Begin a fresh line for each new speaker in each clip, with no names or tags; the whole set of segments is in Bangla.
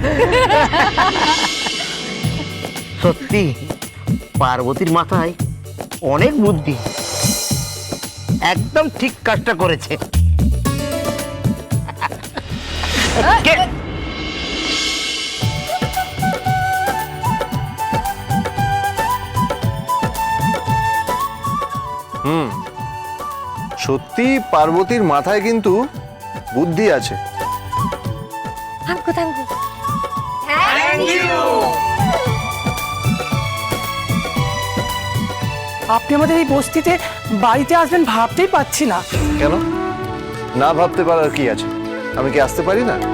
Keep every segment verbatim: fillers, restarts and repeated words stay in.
সত্যি পার্বতীর মাথায় অনেক বুদ্ধি, একদম ঠিক কাজটা করেছে। কে-
হুম, সত্যি পার্বতীর মাথায় কিন্তু বুদ্ধি আছে।
Thank you thank you.
আপনি আমাদের এই বস্তিতে বাড়িতে আসবেন ভাবতেই পাচ্ছি না।
কেন না ভাবতে পারার কি আছে? আমি কি আসতে পারি না?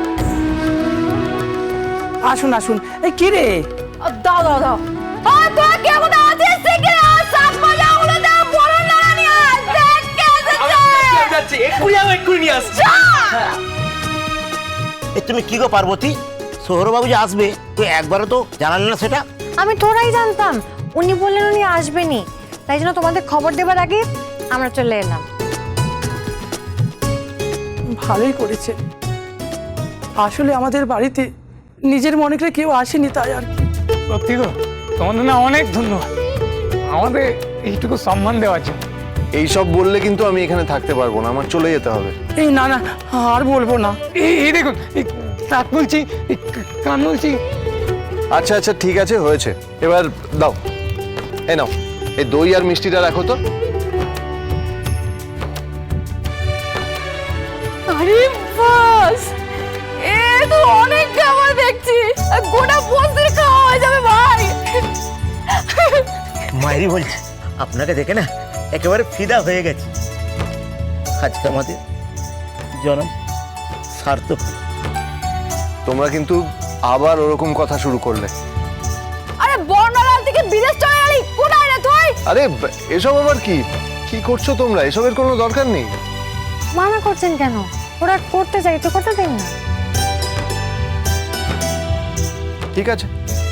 আসুন আসুন। এই কি রে,
দাও দাও দাও। আর তোরা কে কোথায় আছিস? শিগগিরই আয়, সাপ মজা উড়ে দাও, বড় লড়া নিয়ে আয়। দেখ কে এসেছে।
এ তুমি কি গো পার্বতী, সৌরবাবু যে আসবে তুই একবারও তো জানালে না সেটা?
আমি তোরাই জানতাম, উনি বললেন উনি আসবেনি, তাই জন্য তোমাদের খবর দেবার আগে আমরা চলে এলাম।
ভালোই করেছে। আসলে আমাদের বাড়িতে নিজের মনে করে কেউ আসেনি, তাই আর কি।
সত্যি গো, তোমাদের না অনেক ধন্যবাদ আমাদের এইটুকু সম্মান দেওয়ার জন্য।
এইসব বললে কিন্তু আমি এখানে থাকতে পারবো না, আমার চলে যেতে হবে।
এই না না, আর বলবো না।
এই এই দেখুন, এই নাক বলছি, এই কান বলছি।
আচ্ছা আচ্ছা ঠিক আছে, হয়েছে। এবার দাও, এই নাও, এই দই আর মিষ্টিটা রাখো তো।
আরে বাস, এ তো অনেক খাবার দেখছি, গোটা বস্তির খাওয়া হয়ে যাবে ভাই।
মায়েরই বলছি, আপনাকে দেখে না একেবারে ফিদা হয়ে গেছে। আজকে আমাদের জনম সার্থক হলো।
তোমরা কিন্তু আবার ওরকম কথা শুরু করলে।
আরে বর্ণালাল থেকে বিদেশ চলে এলি, কোথায় রে তুই?
আরে ব- এসব আবার কি কি করছো তোমরা? এসবের কোনো দরকার নেই।
মানা করছেন কেন? ওরা করতে চাই তো করতে দিন না।
ঠিক আছে,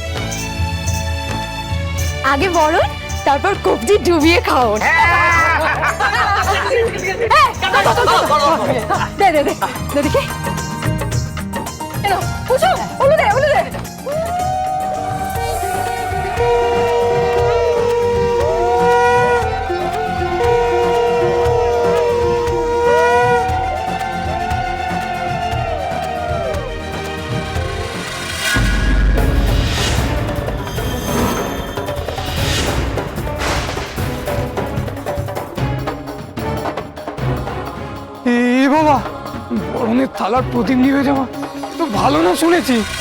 আগে বলুন, তারপর কবজি ডুবিয়ে খাওন। দে দে দে দে দেখি। এলো পুষো, ওলো দে ওলো দে।
এ বাবা, বরণের থালার প্রদীপ নিভে যাওয়া তো ভালো না শুনেছি।